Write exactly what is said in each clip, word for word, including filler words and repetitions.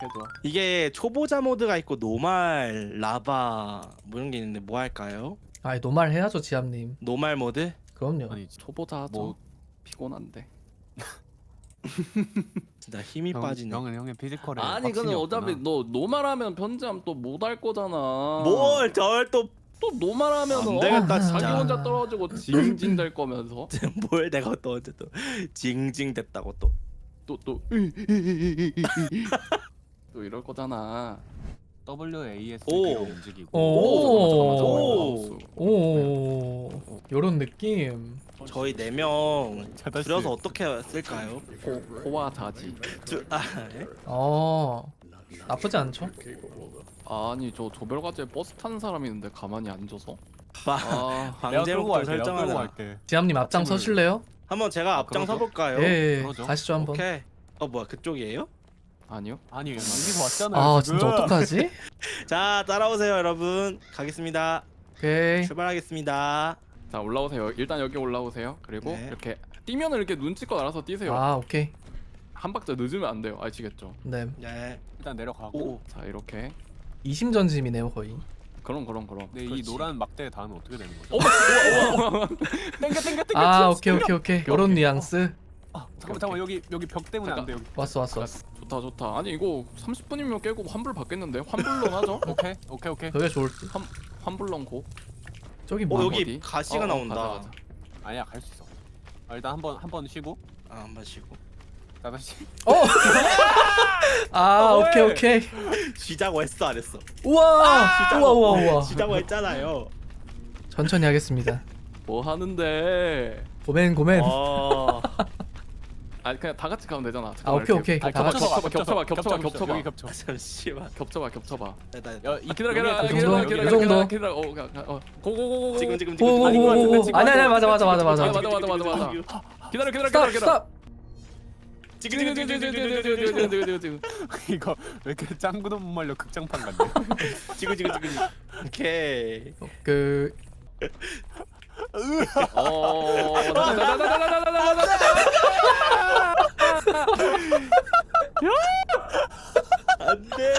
해줘. 이게 초보자 모드가 있고 노말, 라바 뭐 이런 게 있는데 뭐 할까요? 아 노말 해야죠 지압님. 노말 모드? 그럼요. 아니 초보자 하죠. 뭐- 피곤한데. 진짜 힘이 형, 빠지네. 형은 형의 피지컬에 아니 근데 어차피 너 노말하면 편지함 또 못 할 거잖아. 뭘 저걸 또 또 노말하면 안 어? 되겠다, 자기 진짜. 혼자 떨어지고 징징 될 거면서 뭘 내가 또 언제 또 징징댔다고 또. 또 또 또 이럴 거잖아. W A S 오. D로 움직이고. 오. 오. 오. 요런 느낌. 저희 네 명 자다시. 줄여서 어떻게 쓸까요? 호, 호와 자지. 주, 아, 예? 어 나쁘지 않죠? 아니 저 조별과제에 버스 타는 사람이 있는데 가만히 앉아서. 바, 아 내가 끌고 방제목도 갈게. 내가 끌고 설정하자. 갈게. 지압님 앞장 아침을- 서실래요? 한번 제가 앞장 그러죠? 서볼까요? 예. 그러죠. 가시죠 한번. 오케이. 어 뭐야 그쪽이에요? 아니요. 아니 여기서 왔잖아요. 아 지금. 진짜 어떡하지? 자 따라오세요 여러분. 가겠습니다. 오케이. 출발하겠습니다. 자 올라오세요. 일단 여기 올라오세요. 그리고 네. 이렇게 뛰면은 이렇게 눈치껏 알아서 뛰세요. 아 오케이. 한 박자 늦으면 안 돼요. 아시겠죠? 네. 네. 일단 내려가고. 오. 자 이렇게. 이심전심이네요 거의. 그럼 그럼 그럼. 근데 이 그렇지. 노란 막대 다음은 어떻게 되는 거죠? 어, 땡겨 땡겨 땡겨. 아 튀어, 오케이 튀어. 오케이 오케이. 요런 뉘앙스. 아, 잠깐만 잠깐만 여기 여기 벽 때문에 안 돼. 여기. 왔어 왔어 왔어. 좋다 좋다. 아니 이거 삼십 분이면 깨고 환불 받겠는데? 환불론 하죠? 오케이 오케이 오케이. 그게 좋을 듯. 환 환불론 고. 저기 어 뭐? 여기 어디? 가시가 어, 어, 나온다. 가자, 가자. 아니야 갈 수 있어. 아, 일단 한번 한 번 쉬고. 아 한 번 쉬고. 다시. 어. 아 어, 오케이 왜? 오케이. 쉬자고 했어 안 했어? 우와. 우와 우와 우와. 쉬자고 했잖아요. 천천히 하겠습니다. 뭐 하는데? 고멘 고멘. 어. 아니 그냥 다 같이 가면 되잖아. 아 잠깐만, 오케이 이렇게. 오케이. 아니, 다 같이. 겹쳐봐, 겹쳐봐, 겹쳐봐, 겹쳐봐. 여기 겹쳐. 아, 잠시만. 겹쳐봐 겹쳐봐. 나, 나, 야, 이 기다려 기다려 그 기다려 정도? 기다려 그 정도? 기다려 기다려. 어, 가, 가, 어. 고고고고. 지금 지금 지금. 오오오오. 지금 아니 아니 맞아 맞아 맞아 맞아. 맞아, 맞아, 맞아, 맞아. 기다려 기다려 스탑 기다려 기다려. 스탑. 지금 지금 지금 지금 지금 지금 지금 지금 지금 지금 지금 지금. 이거 왜 이렇게 짱구도 못 말려 극장판 같네. 지금 지금 지금. 오케이. 그 어. 나나나나나나나나나나. 안돼.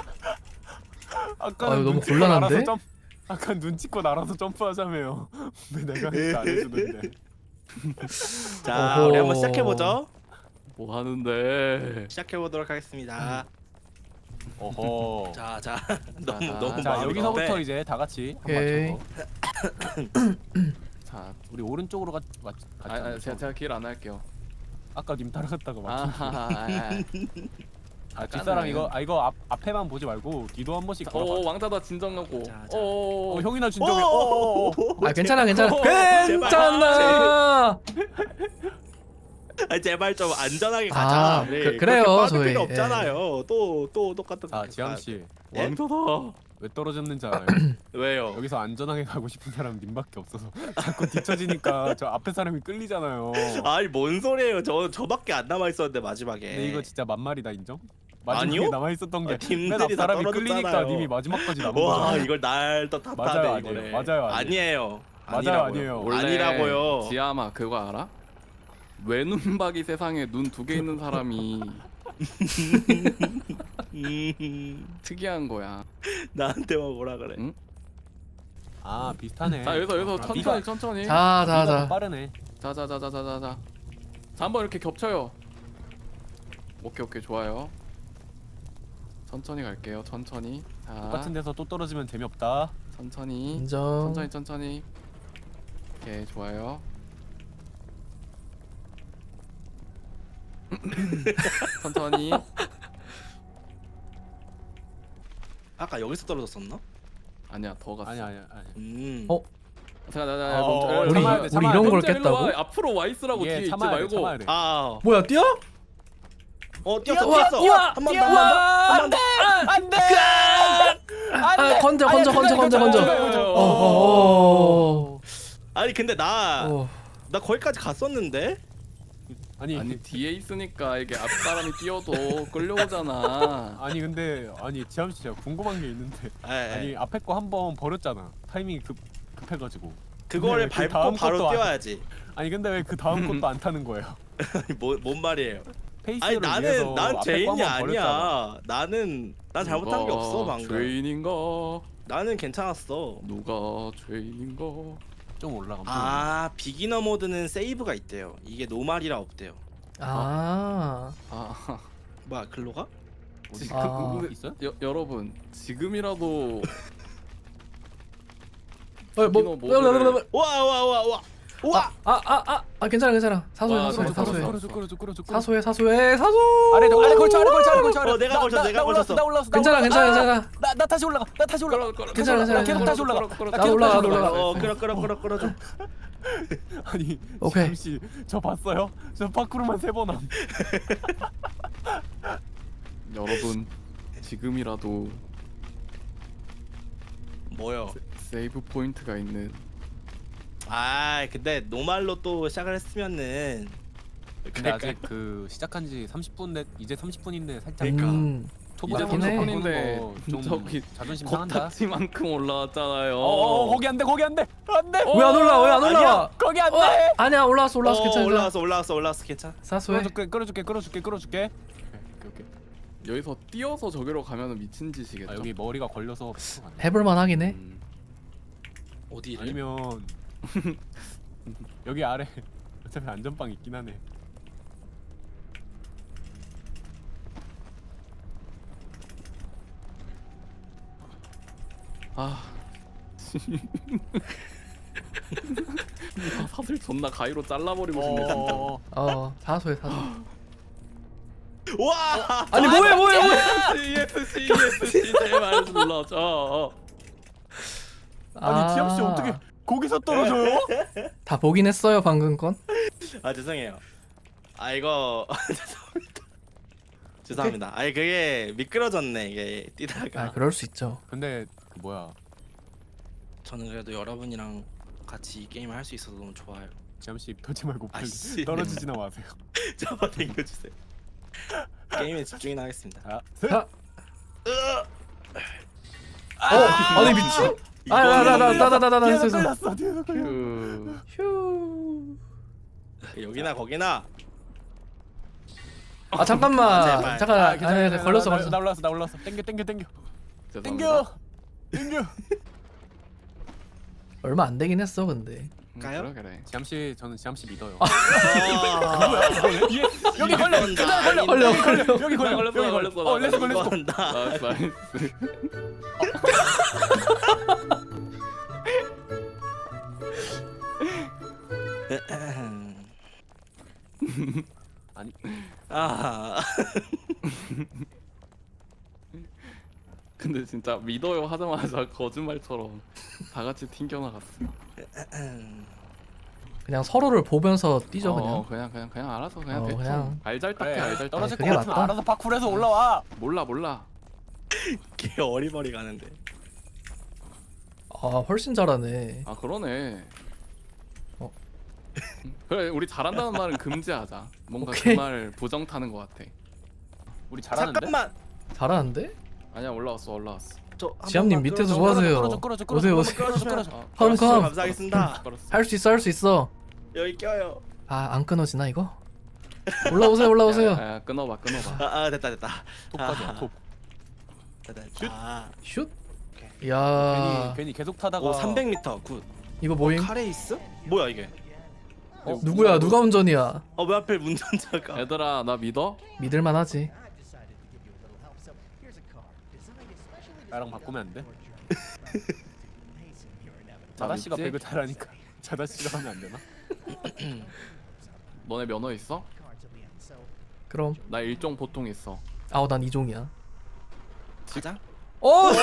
아까 아유, 너무 곤란한데? 아까 눈치껏 알아서 점프하자며요. 왜 내가 이렇게 안 해주는데? 자 어허. 우리 한번 시작해 보죠. 뭐 하는데? 시작해 보도록 하겠습니다. 어허. 자, 자, 너무 자, 너무 자 마음이 여기서부터 급해. 이제 다 같이 한 오케이. 맞춰서. 자, 우리 오른쪽으로 가. 맞. 아, 아 제가 제가 길 안 할게요. 아까 님 따라갔다가 맞. 아하하. 아 뒷사람 이거 아 이거 앞 앞에만 보지 말고 뒤도 한 번씩 오 걸어봐. 왕자다 진정하고. 자, 자. 오. 어 형이나 진정해. 어, 어, 어. 아 괜찮아 괜찮아. 오, 괜찮아. 아, 제발 좀 안전하게 아, 가자. 그- 네, 그래요, 그렇게 빠질 저희. 필요 없잖아요. 또 또 똑같은. 자 지암 씨. 예? 왕자다. 왜 떨어졌는지 알아요? 왜요? 여기서 안전하게 가고 싶은 사람 님밖에 없어서 자꾸 뒤처지니까 저 앞에 사람이 끌리잖아요. 아니 뭔 소리예요? 저 저밖에 안 남아 있었는데 마지막에. 근데 이거 진짜 만말이다 인정? 마지막에 아니요? 남아 있었던 게 아, 팀들이 맨 앞 다 사람이 떨어졌잖아요. 끌리니까 님이 마지막까지 남은 와 거잖아. 이걸 날 또 맞아요, 탓하네 아니에요. 이거를. 맞아요, 아니에요. 아니에요. 맞아요, 아니라고요. 아니에요. 원래 아니라고요. 지아마 그거 알아? 외눈박이 세상에 눈 두 개 있는 사람이 음, 특이한 거야. 나한테만 뭐라 그래? 응? 아 비슷하네. 자 여기서 여기서 아, 천천히 네가- 천천히. 자 네가 더 자 자. 빠르네. 자자자자자자자. 자 한번 이렇게 겹쳐요. 오케이 오케이 좋아요. 천천히 갈게요. 천천히. 자 똑같은 데서 또 떨어지면 재미없다. 천천히. 인정. 천천히 천천히. 오케이 좋아요. 천천히. 아까 여기서 떨어졌었나? 아니야 더 갔어. 아니 아니 아니. 음. 어? 자자자 어, 멈춰. 어, 우리 참아야 돼, 우리 참아야 이런 돼. 걸 현재 일로 와. 깼다고? 앞으로 와 있으라고 뒤에 이게 있지 참아야 돼, 말고. 참아야 돼. 아, 뭐야 뛰어? 어 뛰었어, 우와, 뛰었어. 우와, 한 번 더, 뛰어. 한 번 더, 한 번 더. 안돼. 아 건져 건져 건져 건져 건져. 어, 어어. 아니 근데 나, 어. 나 거기까지 갔었는데. 아니 아니 뒤에 있으니까 이게 앞 사람이 뛰어도 끌려오잖아. 아니 근데 아니 지암 씨 제가 궁금한 게 있는데 에, 에. 아니 앞에 거 한 번 버렸잖아. 타이밍이 급 급해가지고. 그거를 근데 왜 그 밟고 다음 바로 것도 안- 뛰어야지. 아니 근데 왜 그 다음 것도 안 타는 거예요? 뭐, 뭔 말이에요? 페이스를 아니 나는 위해서 난 앞에 죄인이 거 한번 버렸잖아. 아니야. 나는 난 잘못한 게 없어 방금. 죄인인가? 나는 괜찮았어. 누가 죄인인가? 좀 올라가면 아 비기너 모드는 세이브가 있대요. 이게 노말이라 없대요. 아. 아, 뭐야 글로 가? 어디 지- 아. 그, 그, 있어요? 여, 여러분 지금이라도 어, 뭐, 비기너 모드를- 와와와와 와. 아아아 아 괜찮아 괜찮아. 사소해 와, 사소해 끌어줘, 사소해. 끌어줘 끌어줘 끌어줘 끌어줘. 사소해 사소해 사소. 아래 아래 걸쳐 아래 걸쳐 아래 걸쳐 아래. 어, 내가 나, 걸쳤어, 나, 내가 나 올랐어, 걸쳤어. 나 올랐어. 나 괜찮아 올랐어. 괜찮아 아, 괜찮아. 나, 나 다시 올라가. 나 다시 올라가. 끌어, 끌어, 괜찮아, 끌어, 괜찮아, 끌어, 계속 끌어, 다시 끌어, 올라가. 끌어, 나 나도 계속 올라가, 다시 나도 올라가. 올라가. 어 끌어 끌어 끌어 끌어줘. 아니 오케이. 잠시 저 봤어요? 저 파크로만 세 번 함. 여러분 지금이라도 뭐요? 세이브 포인트가 있는 아 근데 노말로 또 시작을 했으면은 근데 아직 그 시작한 지 삼십 분 돼 이제 삼십 분인데 살짝 그러니까. 음. 초보자분들 맞긴 해. 보내는 거좀 저기 자존심 상한다. 코딱지만큼 올라왔잖아요. 어, 어, 거기 안 돼, 거기 안 돼, 안 돼. 왜 안 올라? 왜 안 올라? 아니야. 거기 안 어, 돼. 아니야 올라왔어 올라왔어 어, 괜찮아. 올라왔어 올라왔어 올라왔어 괜찮아. 사소해. 끌어줄게, 끌어줄게, 끌어줄게, 끌어줄게. 오케이, 오케이. 여기서 뛰어서 저기로 가면은 미친 짓이겠죠. 아, 여기 머리가 걸려서 피가 안 나. 해볼만 하긴 해. 음, 어디를? 아니면 여기 아래 어차피 안전빵 있긴 하네. 아. 사슬 존나 가위로 잘라버리고 싶네 진짜. 어, 어 사소해 사소. 와. 아니 뭐해 뭐해 뭐해. 이에스씨 이에스씨 제발 눌러줘. 아니 지암 씨 어떻게 거기서 떨어져요? 다 보긴 했어요 방금 건. 아 죄송해요. 아 이거 죄송합니다. 죄송합니다. 아니 그게 미끄러졌네 이게 뛰다가. 아 그럴 수 있죠. 근데 그 뭐야? 저는 그래도 여러분이랑 같이 이 게임을 할 수 있어서 너무 좋아요. 지암 씨 터지 말고 빨리 아씨. 떨어지지나 마세요. 잡아당겨주세요. 게임에 집중이나 하겠습니다. 아, 자. 어 아니 미친? 아나나나나나나 뒤에서 했어. 걸렸어, 뒤에서 걸렸어. 그 휴. 여기나 거기나. 아 잠깐만. 아, 제발. 잠깐. 아, 아, 괜찮아, 아니, 괜찮아. 걸렸어 나, 걸렸어. 나 올랐어, 나 올랐어. 땡겨, 땡겨, 땡겨, 죄송합니다. 땡겨, 땡겨. 얼마 안 되긴 했어 근데. 음, 가요? 그래 그래. 지암 씨, 저는 지암 씨 믿어요. 아, 여기 걸려, 이건다, 그날 걸려, 걸려, 여기 걸려, 걸려. 여기 걸려, 걸렸어, 여기 걸렸어, 어, 렛츠 고, 렛츠 고. 이건다. 나이스 나이스. 아니, 아. 근데 진짜 믿어요 하자마자 거짓말처럼 다 같이 튕겨나갔어. 그냥 서로를 보면서 뛰죠 그냥. 어, 그냥 그냥 그냥 알아서 그냥 어, 대충 그냥. 알잘딱해 그래, 알잘딱. 떨어질 것 그게 같으면 맞다. 알아서 파쿠르해서 올라와. 몰라 몰라. 걔 어리버리 가는데. 아 훨씬 잘하네. 아 그러네. 어. 그래 우리 잘한다는 말은 금지하자. 뭔가 오케이. 그 말 부정 타는 것 같아. 우리 잘하는데? 잠깐만. 잘하는데? 아니야 올라왔어 올라왔어. 저 한 지암님 번만 밑에서 끌어줘. 뭐 하세요? 끌어줘, 끌어줘, 끌어줘, 오세요, 끌어줘, 오세요. 끌어줘, 끌어줘. 어, 컴, 끌었어, 컴. 감사하겠습니다. 끌었어. 할 수 있어 할 수 있어. 여기 껴요. 아 안 끊어지나 이거? 올라오세요 올라오세요. 야, 야, 끊어봐 끊어봐. 아, 아 됐다 됐다. 톱까지 아. 톱. 됐다 됐다. 슛. 괜히 야 괜히 계속 타다가 오 삼백 미터 굿. 이거 뭐임? 카레이스? 뭐야 이게? 어, 누구야 누가 운전이야? 어 왜 하필 운전자가? 얘들아 나 믿어? 믿을만하지. 나랑 바꾸면 안 돼? 자다 씨가 믿지? 배그 잘하니까 자다 씨가 하면 안 되나? 너네 면허 있어? 그럼 나 일종 보통 있어. 아우 난 이종이야. 가자. 어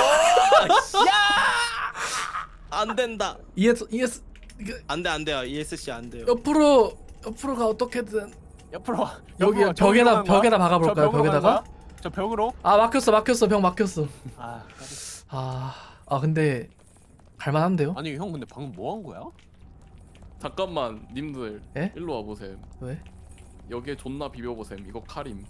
안 된다. 이에스 이에스 이게 안돼 안 돼요. 이에스씨 안 돼요. 옆으로 옆으로 가 어떻게든. 옆으로 와. 여기 옆으로 와. 벽에다- 벽으로 간 거야? 벽에다 박아볼까요, 저 벽으로 벽에다가? 간 거야? 저 벽으로? 아 막혔어 막혔어 벽 막혔어. 아, 아, 아 근데 갈만한데요? 아니 형 근데 방금 뭐 한 거야? 잠깐만 님들 에? 일로 와보셈. 왜? 여기에 존나 비벼보셈. 이거 칼임.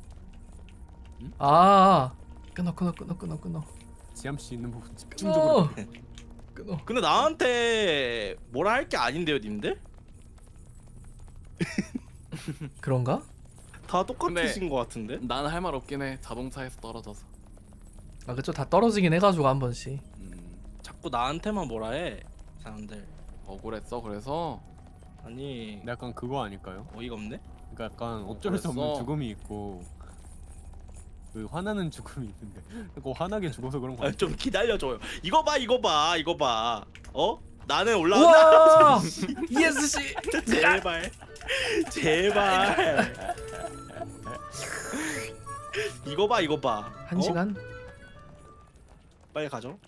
아 끊어 끊어 끊어 끊어 끊어 지암 씨 있는 부분 끊어 집중적으로. 끊어. 근데 나한테 뭐라 할 게 아닌데요, 님들? 그런가? 다 똑같으신 것 같은데? 난 할 말 없긴 해. 자동차에서 떨어져서. 아 그쵸 다 떨어지긴 해가지고 한 번씩. 음, 자꾸 나한테만 뭐라 해 사람들. 억울했어. 그래서 아니 약간 그거 아닐까요? 어이가 없네? 그러니까 약간 어쩔 수 없는 그랬어. 죽음이 있고 그 화나는 죽음이 있는데 그 화나게 죽어서 그런 거 아, 아니야? 좀 기다려줘요. 이거 봐 이거 봐 이거 봐. 어? 나는 올라왔나? 우와 이에스 씨. 제발 제발. 이거 봐 이거 봐. 한 어? 시간? 빨리 가죠.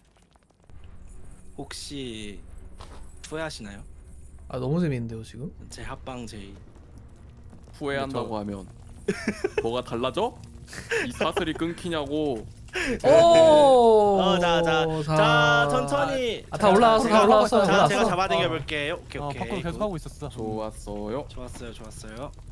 혹시 후회하시나요? 아 너무 재밌는데요 지금? 제 합방 제이. 후회한다고 하면 뭐가 달라져? 이 사슬이 끊기냐고. 오. 어자자자 천천히. 아, 다 올라왔어, 다 제가- 올라왔어, 자 올라왔어. 제가 잡아당겨 볼게요. 오케이 어, 오케이. 파쿠르 계속 하고 있었어. 좋았어요. 좋았어요 좋았어요.